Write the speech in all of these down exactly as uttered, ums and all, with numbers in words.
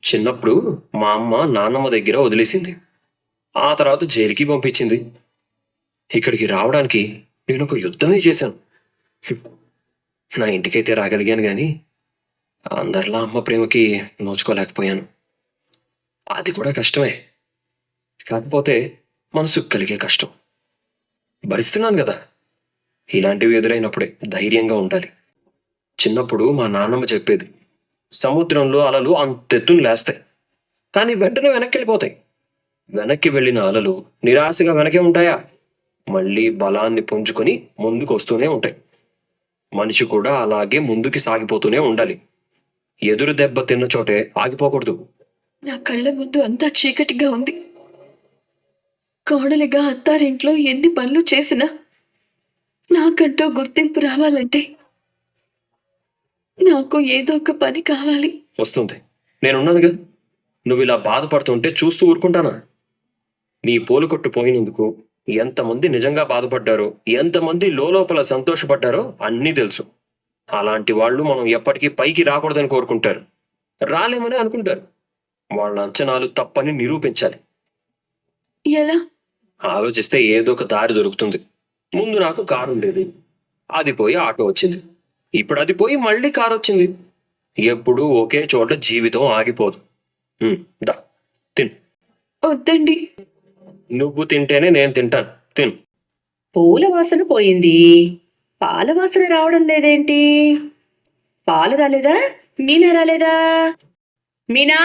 చిన్నప్పుడు మా అమ్మ నాన్నమ్మ దగ్గర వదిలేసింది. ఆ తర్వాత జైలుకి పంపించింది. ఇక్కడికి రావడానికి నేను ఒక యుద్ధమే చేశాను. హ్మ్. నా ఇంటికైతే రాగలిగాను గాని అందరిలా అమ్మ ప్రేమకి నోచుకోలేకపోయాను. అది కూడా కష్టమే. కాకపోతే మనసుకు కలిగే కష్టం భరిస్తున్నాను కదా. ఇలాంటివి ఎదురైనప్పుడే ధైర్యంగా ఉండాలి. చిన్నప్పుడు మా నాన్నమ్మ చెప్పేది, సముద్రంలో అలలు అంతెత్తున లేస్తాయి, కానీ వెంటనే వెనక్కి వెళ్ళిపోతాయి. వెనక్కి వెళ్ళిన అలలు నిరాశగా వెనకే ఉంటాయా, మళ్ళీ బలాన్ని పుంజుకొని ముందుకు వస్తూనే ఉంటాయి. మనిషి కూడా అలాగే ముందుకి సాగిపోతూనే ఉండాలి. ఎదురు దెబ్బ తిన్న చోటే ఆగిపోకూడదు. నా కళ్ళ ముందు అంతా చీకటిగా ఉంది. కోడలిగా అత్తారింట్లో ఎన్ని పనులు చేసినా నాకంటూ గుర్తింపు రావాలంటే నాకు ఏదో ఒక పని కావాలి. వస్తుంది. నేనున్నాను కదా. నువ్వు ఇలా బాధపడుతుంటే చూస్తూ ఊరుకుంటానా? నీ పూల కొట్టు పోయినందుకు ఎంతమంది నిజంగా బాధపడ్డారో, ఎంతమంది లోపల సంతోషపడ్డారో అన్నీ తెలుసు. అలాంటి వాళ్ళు మనం ఎప్పటికీ పైకి రాకూడదని కోరుకుంటారు, రాలేమని అనుకుంటారు. వాళ్ళ అంచనాలు తప్పని నిరూపించాలి. ఎలా? ఆలోచిస్తే ఏదో ఒక దారి దొరుకుతుంది. ముందు నాకు కారు ఉండేది, అది పోయి ఆటో వచ్చింది. ఇప్పుడు అది పోయి మళ్ళీ కారు వచ్చింది. ఎప్పుడూ ఒకే చోట జీవితం ఆగిపోదు. ఉమ్, దా తిను. వద్దండి. నువ్వు తింటేనే నేను తింటాను. తిను. పూల వాసన పోయింది, పాల వాసన రావడం లేదేంటి? పాలు రాలేదా? మీనా రాలేదా? మీనా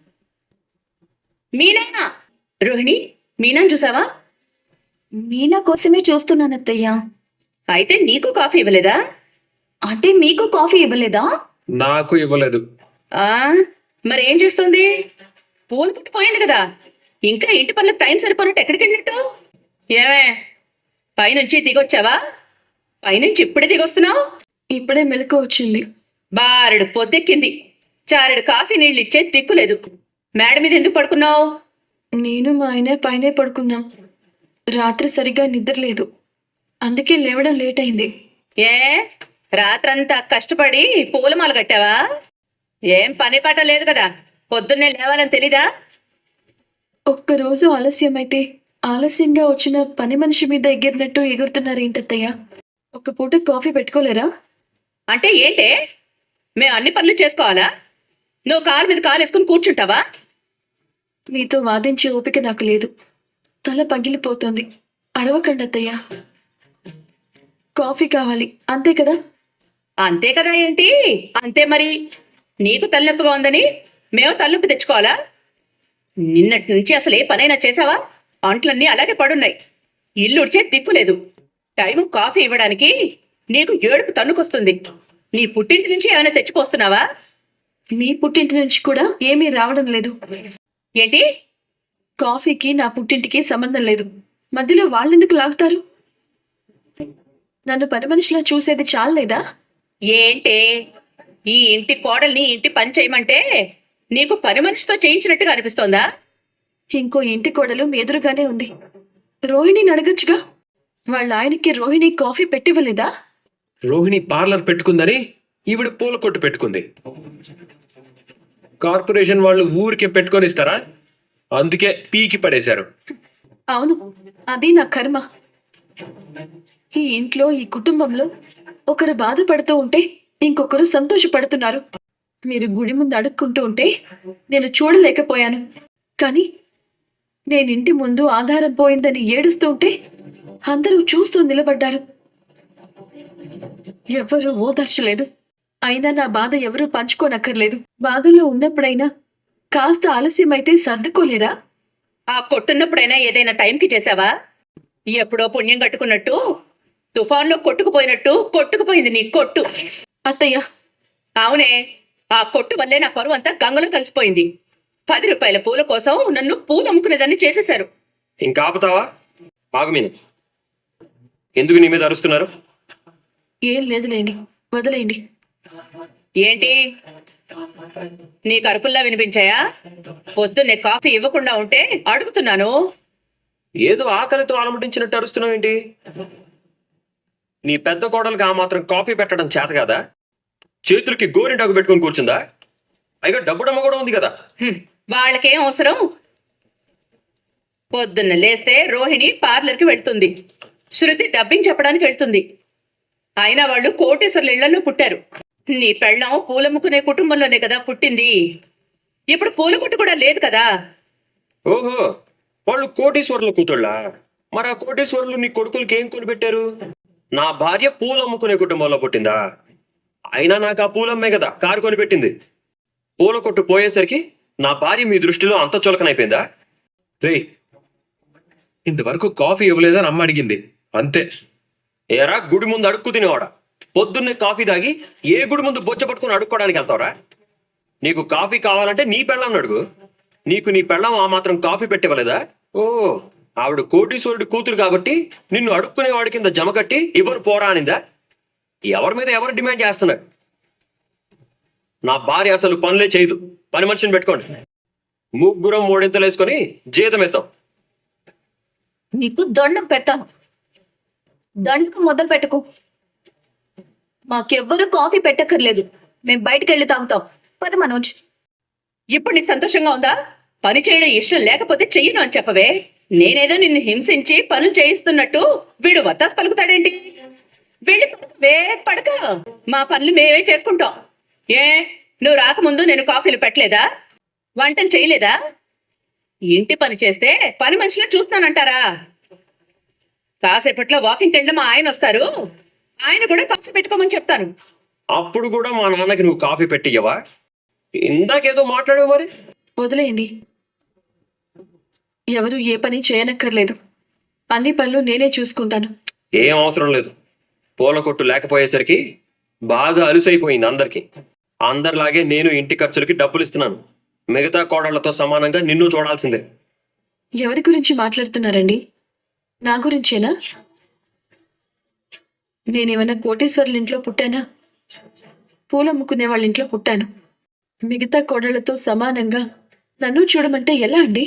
మీనా రోహిణి, మీనాని చూసావా? మీనా కోసమే చూస్తున్నాను అత్తయ్య. అయితే నీకు కాఫీ ఇవ్వలేదా? అంటే మీకు కాఫీ ఇవ్వలేదా? నాకు ఇవ్వలేదు. ఆ మరేం చేస్తుంది? పూలు పుట్టి పోయింది కదా, ఇంకా ఇంటి పనులకు టైం సరిపోనట్టు ఎక్కడికి వెళ్ళినట్టు? ఏమే, పైనుంచి దిగొచ్చావా? పైనుంచి ఇప్పుడే దిగొస్తున్నావు? ఇప్పుడే మెలకు వచ్చింది. బారెడు పొద్దెక్కింది, చారెడు కాఫీ నీళ్ళు ఇచ్చే దిక్కులేదు. మేడ మీద ఎందుకు పడుకున్నావు? నేను మా ఆయన పైనే పడుకున్నాం. రాత్రి సరిగ్గా నిద్ర లేదు, అందుకే లేవడం లేట్ అయింది. ఏ రాత్రంతా కష్టపడి పూలమాల కట్టావా? ఏం పని పాట లేదు కదా, పొద్దున్నే లేవాలని తెలీదా? ఒక్కరోజు ఆలస్యమైతే ఆలస్యంగా వచ్చిన పని మనిషి మీద ఎగిరినట్టు ఎగురుతున్నారేంటత్తయ్య? ఒక పూట కాఫీ పెట్టుకోలేరా? అంటే ఏంటే, మేము అన్ని పనులు చేసుకోవాలా? నువ్వు కాలు మీద కాలు వేసుకుని కూర్చుంటావా? మీతో వాదించే ఓపిక నాకు లేదు. తల పగిలిపోతుంది. అరవకండి అత్తయ్య. కాఫీ కావాలి అంతే కదా? అంతే కదా ఏంటి? అంతే మరి. నీకు తలనొప్పిగా ఉందని మేము తలనొప్పి తెచ్చుకోవాలా? నిన్నటి నుంచి అసలు ఏ పనైనా చేసావా? అంట్లన్నీ అలాగే పడున్నాయి, ఇల్లు ఉడిచే దిక్కు లేదు. టైం కాఫీ ఇవ్వడానికి నీకు ఏడుపు తన్నుకొస్తుంది. నీ పుట్టింటి నుంచి ఏమైనా తెచ్చిపోస్తున్నావా? మీ పుట్టింటి నుంచి కూడా ఏమీ రావడం లేదు. ఏంటి? కాఫీకి నా పుట్టింటికి సంబంధం లేదు. మధ్యలో వాళ్ళెందుకు లాగుతారు? నన్ను పని మనిషిలా చూసేది చాలేదా? ఏంటే, ఈ ఇంటి కోడల్ని ఇంటి పని చేయమంటే నీకు పని మనిషితో చేయించినట్టుగా అనిపిస్తోందా? ఇంకో ఇంటి కోడలు మీ ఎదురుగానే ఉంది. రోహిణిని అడగచ్చుగా. వాళ్ళ ఆయనకి రోహిణి కాఫీ పెట్టివ్వలేదా? రోహిణి పార్లర్ పెట్టుకుందని ఈవిడ పూల కొట్టు పెట్టుకుంది. కార్పొరేషన్ వాళ్ళు ఊరికే పెట్టుకొని ఇస్తారా? అందుకే పీకి పడేశారు. అవును, అది నా కర్మ. ఈ ఇంట్లో, ఈ కుటుంబంలో ఒకరు బాధపడుతూ ఉంటే ఇంకొకరు సంతోషపడుతున్నారు. మీరు గుడి ముందు అడుక్కుంటూ ఉంటే నేను చూడలేకపోయాను. కానీ నేను ఇంటి ముందు ఆధారం పోయిందని ఏడుస్తూ ఉంటే అందరూ చూస్తూ నిలబడ్డారు. ఎవ్వరూ ఓదార్చలేదు. అయినా నా బాధ ఎవరూ పంచుకోనక్కర్లేదు. బాధలో ఉన్నప్పుడైనా కాస్త ఆలస్యమైతే సర్దుకోలేరా? ఆ కొట్టున్నప్పుడైనా ఏదైనా టైంకి చేసావా? ఎప్పుడో పుణ్యం కట్టుకున్నట్టు తుఫాన్లో కొట్టుకుపోయినట్టు కొట్టుకుపోయింది నీ కొట్టు. అత్తయ్య, అవునే, ఆ కొట్టు వల్లే నా పరువు అంతా గంగలో కలిసిపోయింది. పది రూపాయల పూల కోసం నన్ను పూలు అమ్ముకునేదాన్ని చేసేశారు. ఇంకా ఆపుతావా? ఆగు మీను. ఎందుకు నీ మీద అరుస్తున్నారు? ఏం లేదులేండి, వదిలేయండి. ఏంటి, నీ కరుపుల్లా వినిపించాయా? పొద్దున్నే కాఫీ ఇవ్వకుండా ఉంటే అడుగుతున్నాను. ఏదో ఆకలితో అలమటించినట్టు అరుస్తున్నావు ఏంటి? నీ పెద్ద కోడలికి ఆ మాత్రం కాఫీ పెట్టడం చేత కదా? చేతులకి గోరింటాకు పెట్టుకొని కూర్చుందా? పైగా డబ్బుడమ్మ కూడా ఉంది కదా. హ్మ్, వాళ్ళకేం అవసరం? పొద్దున్న లేస్తే రోహిణి పార్లర్కి వెళ్తుంది, శృతి డబ్బింగ్ చెప్పడానికి వెళ్తుంది. అయినా వాళ్ళు కోటేశ్వర్ల ఇళ్లలో పుట్టారు. నీ పెళ్ళం పూలమ్ముకునే కుటుంబంలోనే కదా పుట్టింది. ఇప్పుడు పూల కొట్టు కూడా లేదు కదా. ఓహో, వాళ్ళు కోటీశ్వరుల కూతుళ్ళా? మరి ఆ కోటీశ్వరులు నీ కొడుకులకి ఏం కొనిపెట్టారు? నా భార్య పూలు అమ్ముకునే కుటుంబంలో పుట్టిందా? అయినా నాకు ఆ పూలమ్మే కదా కారు కొనిపెట్టింది. పూల కొట్టు పోయేసరికి నా భార్య మీ దృష్టిలో అంత చులకనైపోయిందా? రే, ఇంతవరకు కాఫీ ఇవ్వలేదని అమ్మ అడిగింది అంతే. ఏరా గుడి ముందు అడుక్కు తినేవాడా? పొద్దున్నే కాఫీ తాగి ఏ గుడి ముందు బొచ్చ పట్టుకుని అడుక్కోవడానికి వెళ్తావరా? నీకు కాఫీ కావాలంటే నీ పెళ్ళాన్ని అడుగు. నీకు నీ పెళ్ళం ఆ మాత్రం కాఫీ పెట్టివ్వలేదా? ఓ, ఆవిడ కోటీశ్వరుడి కూతురు కాబట్టి నిన్ను అడుక్కునేవాడి కింద జమ కట్టి ఇవ్వరు పోరా అనిందా? ఎవరి మీద ఎవరు డిమాండ్ చేస్తున్నారు? నా భార్య అసలు పనులే చేయదు. పని మనిషిని పెట్టుకోండి. ముగ్గురం మూడింతలు వేసుకొని జీతం ఎత్తాం. నీకు దండం పెట్టాను. దండం మొదలు పెట్టకు. మాకెవ్వరూ కాఫీ పెట్టక్కర్లేదు. మేము బయటకు వెళ్ళి తాగుతాం. పద మనోజ్. ఇప్పుడు నీకు సంతోషంగా ఉందా? పని చేయడం ఇష్టం లేకపోతే చెయ్యను అని చెప్పవే. నేనేదో నిన్ను హింసించి పనులు చేయిస్తున్నట్టు వీడు వత్తాసు పలుకుతాడేంటి? వెళ్ళి పడకవే, పడక. మా పనులు మేమే చేసుకుంటాం. ఏ, నువ్వు రాకముందు నేను కాఫీలు పెట్టలేదా? వంటలు చేయలేదా? ఇంటి పని చేస్తే పని మనిషిలా చూస్తానంటారా? కాసేపట్లో వాకింగ్కి వెళ్ళిన మా ఆయన వస్తారు. ఆయన కూడా కాఫీ పెట్టుకోమని చెప్తాను. అప్పుడు కూడా మా నాన్నకి నువ్వు కాఫీ పెట్టియ్యవా? ఇందాకేదో మాట్లాడావు మరి. వదిలేయండి. ఎవరు ఏ పని చేయనక్కర్లేదు. అన్ని పనులు నేనే చూసుకుంటాను. ఏం అవసరం లేదు. పూల కొట్టు లేకపోయేసరికి బాగా అలుసైపోయింది అందరికి. అందరిలాగే నేను ఇంటి ఖర్చులకి డబ్బులు ఇస్తున్నాను. మిగతా కోడళ్లతో సమానంగా నిన్ను చూడాల్సిందే. ఎవరి గురించి మాట్లాడుతున్నారండి? నా గురించేనా? నేనేమైనా కోటేశ్వర్ల ఇంట్లో పుట్టానా? పూలమ్ముకునే వాళ్ళ ఇంట్లో పుట్టాను. మిగతా కోడళ్లతో సమానంగా నన్ను చూడమంటే ఎలా అండి?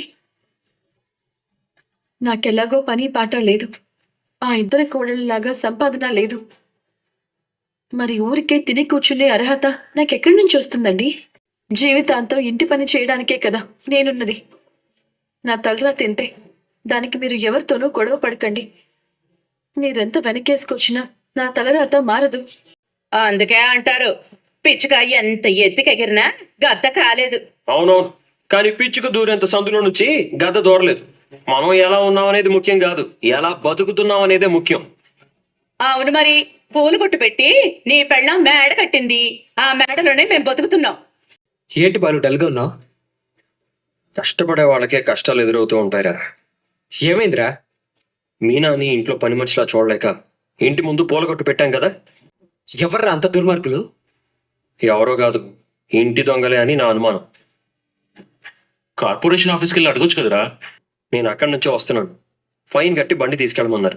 నాకెలాగో పని పాట లేదు. ఆ ఇద్దరు కోడళ్ళలాగా సంపాదన లేదు. మరి ఊరికే తిని కూర్చునే అర్హత నాకెక్కడి నుంచి వస్తుందండి? జీవితాంతం ఇంటి పని చేయడానికే కదా నేనున్నది. నా తలరా తింటే దానికి మీరు ఎవరితోనూ గొడవ పడకండి. మీరెంత వెనకేసుకొచ్చినా నా తలరాత మారదు. అందుకే అంటారు, పిచ్చుక ఎంత ఎత్తుకెగిరినా గద్ద కాలేదు. అవునవును, కానీ పిచ్చుకు దూరేంత సందులో నుంచి గద్ద దూరలేదు. మనం ఎలా ఉన్నాం అనేది ముఖ్యం కాదు, ఎలా బతుకుతున్నాం అనేదే ముఖ్యం. అవును మరి, పూలు కొట్టు పెట్టి నీ పెళ్ళం మేడ కట్టింది. ఆ మేడలోనే మేము బతుకుతున్నాం. ఏంటి బాలు డల్గా ఉన్నావు? కష్టపడే వాళ్ళకే కష్టాలు ఎదురవుతూ ఉంటాయిరా. ఏమైందిరా? మీనాని ఇంట్లో పని మనిషిలా చూడలేక ఇంటి ముందు పూల కొట్టు పెట్టాం కదా. ఎవర్రా అంత దుర్మార్గులు? ఎవరో కాదు, ఇంటి దొంగలే అని నా అనుమానం. కార్పొరేషన్ ఆఫీస్కి వెళ్ళి అడగొచ్చు కదరా. నేను అక్కడి నుంచే వస్తున్నాను. ఫైన్ కట్టి బండి తీసుకెళ్ళమన్నారు.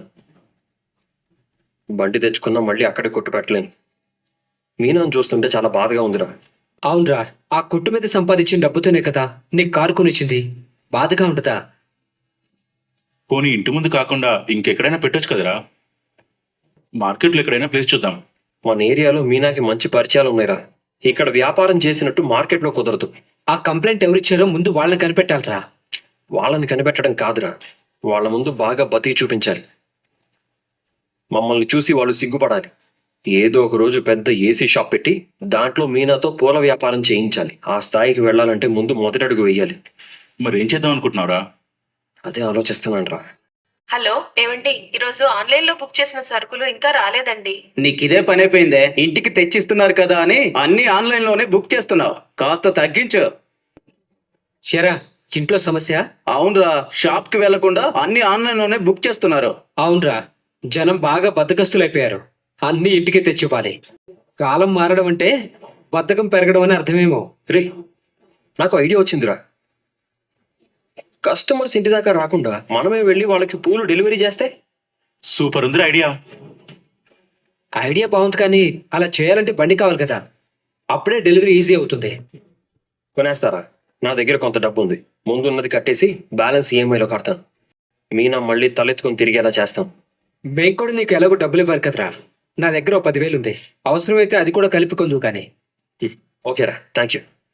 బండి తెచ్చుకున్నా మళ్ళీ అక్కడే కొట్టు పెట్టలేను. మీనాను చూస్తుంటే చాలా బాధగా ఉందిరా. అవునరా, ఆ కొట్టు మీద సంపాదించిన డబ్బుతోనే కదా నీకు కారు కొనిచ్చింది. బాధగా ఉంటుందా? పోనీ ఇంటి ముందు కాకుండా ఇంకెక్కడైనా పెట్టొచ్చు కదరా. మార్కెట్లో ఎక్కడైనా ప్లేస్ చూద్దాం. మన ఏరియాలో మీనాకి మంచి పరిచయాలు ఉన్నాయిరా. ఇక్కడ వ్యాపారం చేసినట్టు మార్కెట్లో కుదరదు. ఆ కంప్లైంట్ ఎవరిచ్చారో ముందు వాళ్ళని కనిపెట్టాలరా. వాళ్ళని కనిపెట్టడం కాదురా, వాళ్ళ ముందు బాగా బతికి చూపించాలి. మమ్మల్ని చూసి వాళ్ళు సిగ్గుపడాలి. ఏదో ఒక రోజు పెద్ద ఏసీ షాప్ పెట్టి దాంట్లో మీనాతో పూల వ్యాపారం చేయించాలి. ఆ స్థాయికి వెళ్ళాలంటే ముందు మొదటడుగు వేయాలి. మరి ఏం చేద్దాం అనుకుంటున్నావురా? అదే ఆలోచిస్తున్నాను రా. హలో, ఏమండి? ఈరోజు ఆన్లైన్ లో బుక్ చేసిన సరుకులు ఇంకా రాలేదండి. నీకిదే పని అయిపోయిందే. ఇంటికి తెచ్చిస్తున్నారు కదా అని అన్ని ఆన్లైన్ లోనే బుక్ చేస్తున్నావు. కాస్త తగ్గించు. షరా, ఇంట్లో సమస్య? అవునరా, షాప్ కి వెళ్లకుండా అన్ని ఆన్లైన్ లోనే బుక్ చేస్తున్నారు. అవునరా, జనం బాగా బద్దకస్తులైపోయారు. అన్ని ఇంటికి తెచ్చివ్వాలి. కాలం మారడం అంటే బద్ధకం పెరగడం అని అర్థమేమో. రే, నాకు ఐడియా వచ్చిందిరా. కస్టమర్స్ ఇంటి దాకా రాకుండా మనమే వెళ్ళి వాళ్ళకి పూలు డెలివరీ చేస్తే? సూపర్ ఉంది ఐడియా. ఐడియా బాగుంది, కానీ అలా చేయాలంటే బండి కావాలి కదా. అప్పుడే డెలివరీ ఈజీ అవుతుంది. కొనేస్తారా? నా దగ్గర కొంత డబ్బు ఉంది. ముందున్నది కట్టేసి బ్యాలెన్స్ ఈఎంఐలో కడతాను. మీనా మళ్ళీ తలెత్తుకొని తిరిగేలా చేస్తాం. మేము కూడా నీకు ఎలాగో డబ్బులు ఇవ్వాలి కదరా. నా దగ్గర ఓ పదివేలు ఉంది. అవసరమైతే అది కూడా కలిపి కొందువు కానీ. ఓకేరా, థ్యాంక్ యూ.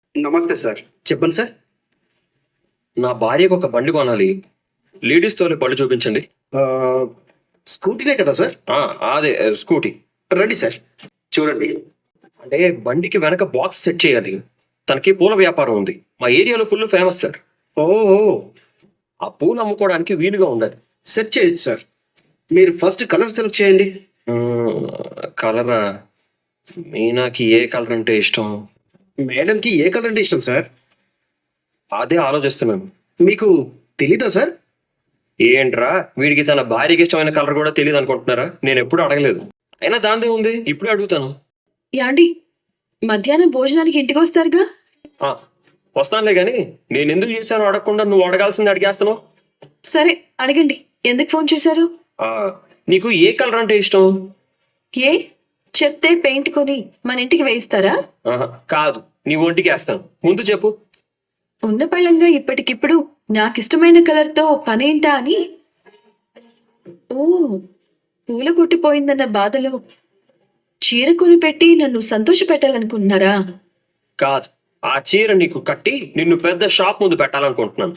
నమస్తే సార్. చెప్పండి సార్. నా భార్యకు ఒక బండి కొనాలి. లేడీస్ తోలే బండి చూపించండి. ఆ, స్కూటీనే కదా సార్? ఆ, అదే స్కూటీ. రండి సార్, చూడండి. అంటే బండికి వెనక బాక్స్ సెట్ చేయాలి. తనకి పూల వ్యాపారం ఉంది. మా ఏరియాలో ఫుల్ ఫేమస్ సార్. ఓ ఆ పూలు అమ్ముకోవడానికి వీలుగా ఉండాలి. సెట్ చేయొచ్చు సార్. మీరు ఫస్ట్ కలర్ సెలెక్ట్ చేయండి. కలరా? మీనాకి ఏ కలర్ అంటే ఇష్టం? మేడంకి ఏ కలర్ అంటే ఇష్టం సార్? అదే ఆలోచిస్తున్నాను. మీకు తెలీదా సార్? ఏంట్రా, వీడికి తన భార్యకి ఇష్టమైన కలర్ కూడా తెలియదు అనుకుంటున్నారా? నేను ఎప్పుడు అడగలేదు. అయినా దాందే ఉంది, ఇప్పుడే అడుగుతాను. యాండి, మధ్యాహ్నం భోజనానికి ఇంటికి వస్తారుగా? ఆ, వస్తానులే గాని నేను ఎందుకు చేశాను అడగకుండా నువ్వు అడగాల్సింది అడిగేస్తున్నావు. సరే అడగండి. ఎందుకు ఫోన్ చేశారు? ఆ, నీకు ఏ కలర్ అంటే ఇష్టం? ఏ చెప్తే పెయింట్ కొని మన ఇంటికి వేయిస్తారా? ఆహా, కాదు, నీ ఒంటికి వేస్తాను. ముందు చెప్పు. ఉన్న పళ్ళంగా ఇప్పటికిప్పుడు నాకిష్టమైన కలర్తో పనేంటా అని. ఓ, పూల కొట్టిపోయిందన్న బాధలో చీర కొని పెట్టి నన్ను సంతోష పెట్టాలనుకుంటున్నారా? కాదు, ఆ చీర నీకు కట్టి నిన్ను పెద్ద షాప్ ముందు పెట్టాలనుకుంటున్నాను.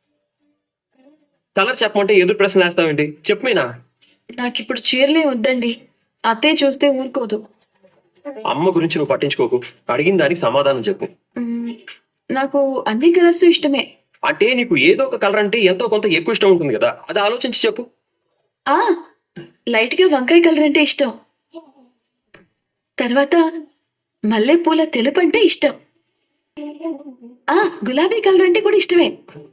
కలర్ చెప్పమంటే ఎదురు ప్రశ్న వేస్తావేంటి? చెప్పు మీనా. నాకిప్పుడు చీరలే వద్దండి. అత్తయ్య చూస్తే ఊరుకోదు. అమ్మ గురించి నువ్వు పట్టించుకోకు. అడిగిన దానికి సమాధానం చెప్పు. మ్మ్, నాకు అన్ని కలర్స్ ఇష్టమే. అంటే నీకు ఏదో ఒక కలర్ అంటే ఎంతో కొంత ఎక్కువ ఇష్టం ఉంటుంది కదా, అది ఆలోచించి చెప్పు. ఆ లైట్ గా వంకాయ కలర్ అంటే ఇష్టం. తర్వాత మల్లెపూల తెలుపు అంటే ఇష్టం. ఆ గులాబీ కలర్ అంటే కూడా ఇష్టమే.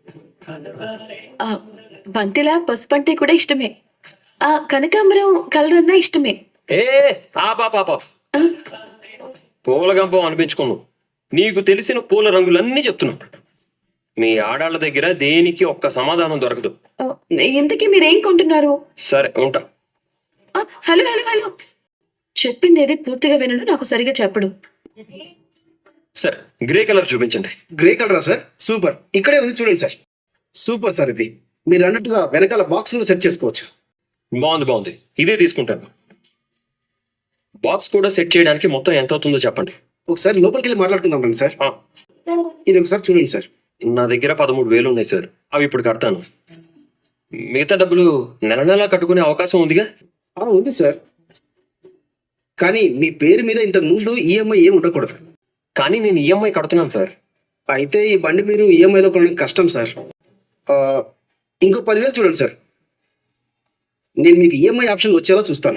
ఆ బంతిలా పసుపు అంటే కూడా ఇష్టమే. ఆ కనకాంబరం కలర్ అన్నా ఇష్టమే. ఏ ఆ పాప పూల గంపం అనిపించుకోను. నీకు తెలిసిన పూల రంగులన్నీ చెప్తున్నావు. మీ ఆడాళ్ళ దగ్గర దేనికి ఒక్క సమాధానం దొరకదు. ఆ, ఇంతకీ మీరేం కొంటున్నారు? సరే ఉంటా. ఆ, హలో హలో హలో చెప్పింది ఏది పూర్తిగా వినడు, నాకు సరిగా చెప్పడు. సరే గ్రే కలర్ చూపించండి. గ్రే కలరా సార్? సూపర్, ఇక్కడే ఉంది చూడండి సార్. సూపర్ సార్, ఇది మీరు అన్నట్టుగా వెనకాల బాక్స్ లో సెట్ చేసుకోవచ్చు. బాగుంది బాగుంది, ఇదే తీసుకుంటాను. బాక్స్ కూడా సెట్ చేయడానికి మొత్తం ఎంత అవుతుందో చెప్పండి. ఒకసారి లోపలికి వెళ్ళి మాట్లాడుకుందాం రండి సార్. ఆ, ఇది ఒకసారి చూడండి సార్. నా దగ్గర పదమూడు వేలు ఉన్నాయి సార్. అవి ఇప్పుడు కడతాను. మిగతా డబ్బులు నెల నెలా కట్టుకునే అవకాశం ఉందిగా? ఆ, ఉంది సార్. కానీ మీ పేరు మీద ఇంతకు ముందు ఈఎంఐ ఏమి ఉండకూడదు. కానీ నేను ఈఎంఐ కడుతున్నాను సార్. అయితే ఈ బండి మీరు ఈఎంఐలో కొనడానికి కష్టం సార్. ఆ, ఇంకో పదివేలు చూడండి సార్. నేను మీకు ఈఎంఐ ఆప్షన్ వచ్చేలా చూస్తాను.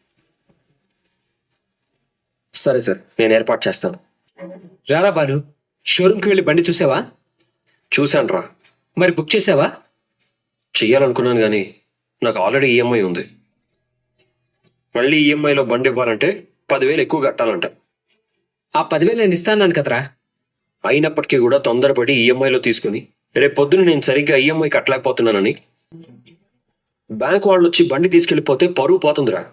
సరే సార్, నేను ఏర్పాటు చేస్తాను. రారా బాలు, షోరూమ్కి వెళ్ళి బండి చూసావా? చూశాను రా. మరి బుక్ చేసావా? చెయ్యాలనుకున్నాను కానీ నాకు ఆల్రెడీ ఈఎంఐ ఉంది. మళ్ళీ ఈఎంఐలో బండి ఇవ్వాలంటే పదివేలు ఎక్కువ కట్టాలంట. ఆ పదివేలు నేను ఇస్తాను కదరా. అయినప్పటికీ కూడా తొందరపడి ఈఎంఐలో తీసుకుని రేపు పొద్దున నేను సరిగ్గా ఈఎంఐ కట్టలేకపోతున్నానని బ్యాంక్ వాళ్ళు వచ్చి బండి తీసుకెళ్ళిపోతే పరువు పోతుందిరా.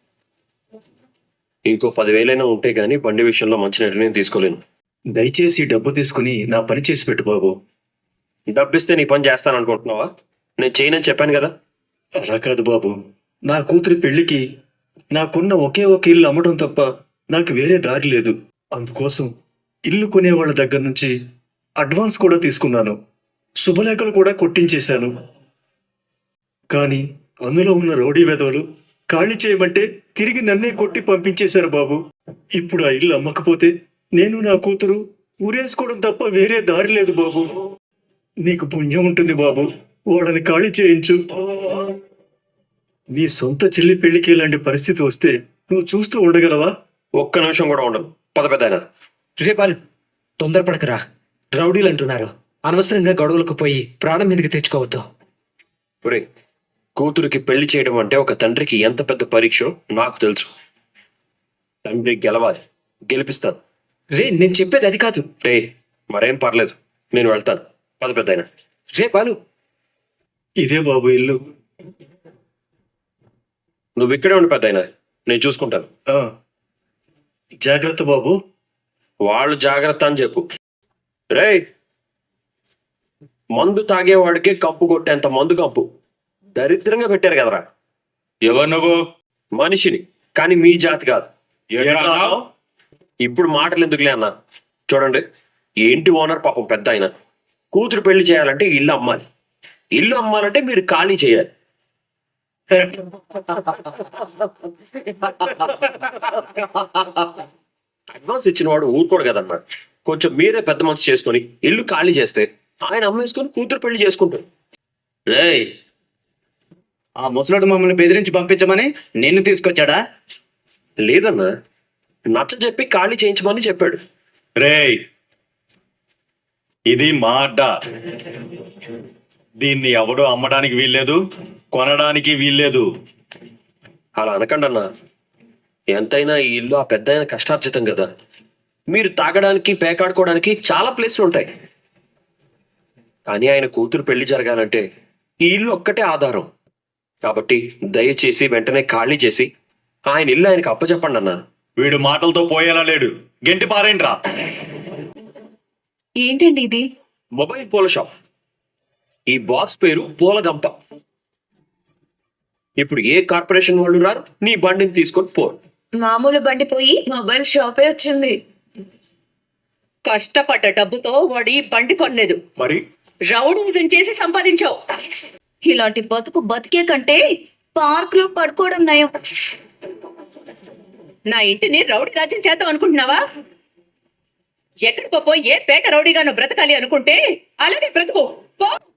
ఇంకో పదివేలైనా ఉంటే గానీ బండి విషయంలో మంచి నిర్ణయం తీసుకోలేను. దయచేసి డబ్బు తీసుకుని నా పని చేసి పెట్టు బాబు. డబ్బిస్తే నీ పని చేస్తాను అనుకుంటున్నావా? నేను చేయనని చెప్పాను కదా. అలా కాదు బాబు, నా కూతురి పెళ్లికి నాకున్న ఒకే ఒక ఇల్లు అమ్మడం తప్ప నాకు వేరే దారి లేదు. అందుకోసం ఇల్లు కొనే వాళ్ళ దగ్గర నుంచి అడ్వాన్స్ కూడా తీసుకున్నాను. శుభలేఖలు కూడా కొట్టించేశాను. కానీ అందులో ఉన్న రౌడీ వెధవలు ఖాళీ చేయమంటే తిరిగి నన్నే కొట్టి పంపించేశారు బాబు. ఇప్పుడు ఆ ఇల్లు అమ్మకపోతే నేను నా కూతురు ఊరేసుకోవడం తప్ప వేరే దారి లేదు బాబు. నీకు పుణ్యం ఉంటుంది బాబు, వాళ్ళని ఖాళీ చేయించు. నీ సొంత చెల్లి పెళ్లికి ఇలాంటి పరిస్థితి వస్తే నువ్వు చూస్తూ ఉండగలవా? ఒక్క నిమిషం కూడా ఉండను. పద పెద్దాయన. రే బాలు, తొందరపడకరా. రౌడీలు అంటున్నారు. అనవసరంగా గొడవలకు పోయి ప్రాణం మీదకి తెచ్చుకోవద్దు. ఒరే, కూతురికి పెళ్లి చేయడం అంటే ఒక తండ్రికి ఎంత పెద్ద పరీక్షో నాకు తెలుసు. తండ్రి గెలవాలి, గెలిపిస్తాను. రే, నేను చెప్పేది అది కాదు. రే, మరేం పర్లేదు, నేను వెళ్తాను. పద పెద్దాయన. రే బాలు, ఇదే బాబు ఇల్లు. నువ్వు ఇక్కడే ఉండి పెద్దాయన, నేను చూసుకుంటాను. ఆ, జాగ్రత్త బాబు. వాళ్ళు జాగ్రత్త అని చెప్పు. రే, మందు తాగేవాడికి కప్పు కొట్టేంత మందు కప్పు దరిద్రంగా పెట్టారు కదరా. ఎవరు నువ్వు? మనిషిని, కానీ మీ జాతి కాదు. ఏంటన్నావు? ఇప్పుడు మాటలు ఎందుకులే అన్న. చూడండి, ఈ ఇంటి ఓనర్ పాపం పెద్ద ఆయన. కూతురు పెళ్లి చేయాలంటే ఇల్లు అమ్మాలి, ఇల్లు అమ్మాలంటే మీరు ఖాళీ చేయాలి. అడ్వాన్స్ ఇచ్చిన వాడు ఊరుకోడు కదన్నా. కొంచెం మీరే పెద్ద మనసు చేసుకొని ఇల్లు ఖాళీ చేస్తే ఆయన అమ్మేసుకొని కూతురు పెళ్లి చేసుకుంటారు. రేయ్, ఆ ముసలోడు మమ్మల్ని బెదిరించి పంపించమని నిన్ను తీసుకొచ్చాడా? లేదన్నా, నచ్చ చెప్పి ఖాళీ చేయించమని చెప్పాడు. రేయ్, ఇది మా అడ్డ. దీన్ని ఎవడు అమ్మడానికి వీల్లేదు, కొనడానికి వీల్లేదు. అలా అనకండి అన్నా. ఎంతైనా ఈ ఇల్లు ఆ పెద్ద ఆయన కష్టార్జితం కదా. మీరు తాగడానికి పేకాడుకోవడానికి చాలా ప్లేస్లు ఉంటాయి. కానీ ఆయన కూతురు పెళ్లి జరగాలంటే ఈ ఇల్లు ఒక్కటే ఆధారం. కాబట్టి దయచేసి వెంటనే ఖాళీ చేసి ఆయన ఇల్లు ఆయనకు అప్పచెప్పండి అన్నా. వీడు మాటలతో పోయేలా లేడు. గెంటి పారేంట్రా. ఏంటండి ఇది? మొబైల్ పూల షాప్. ఈ బాక్స్ పేరు పూలగంప. ఇప్పుడు ఏ కార్పొరేషన్ వాళ్ళు రారు, నీ బండిని తీసుకొని పోరు. మామూలు బండి పోయి మొబైల్ షాపే వచ్చింది. కష్టపడ్డ డబ్బుతో వాడి బండి కొనలేదు, మరి రౌడీజం చేసి సంపాదించావు. ఇలాంటి బతుకు బతికే కంటే పార్క్ లో పడుకోవడం నయం. నా ఇంటిని రౌడీ రాజ్యం చేద్దాం అనుకుంటున్నావా? ఎక్కడికో పోయి ఏ పేట రౌడీగానో బ్రతకాలి అనుకుంటే అలాగే బ్రతుకు పో.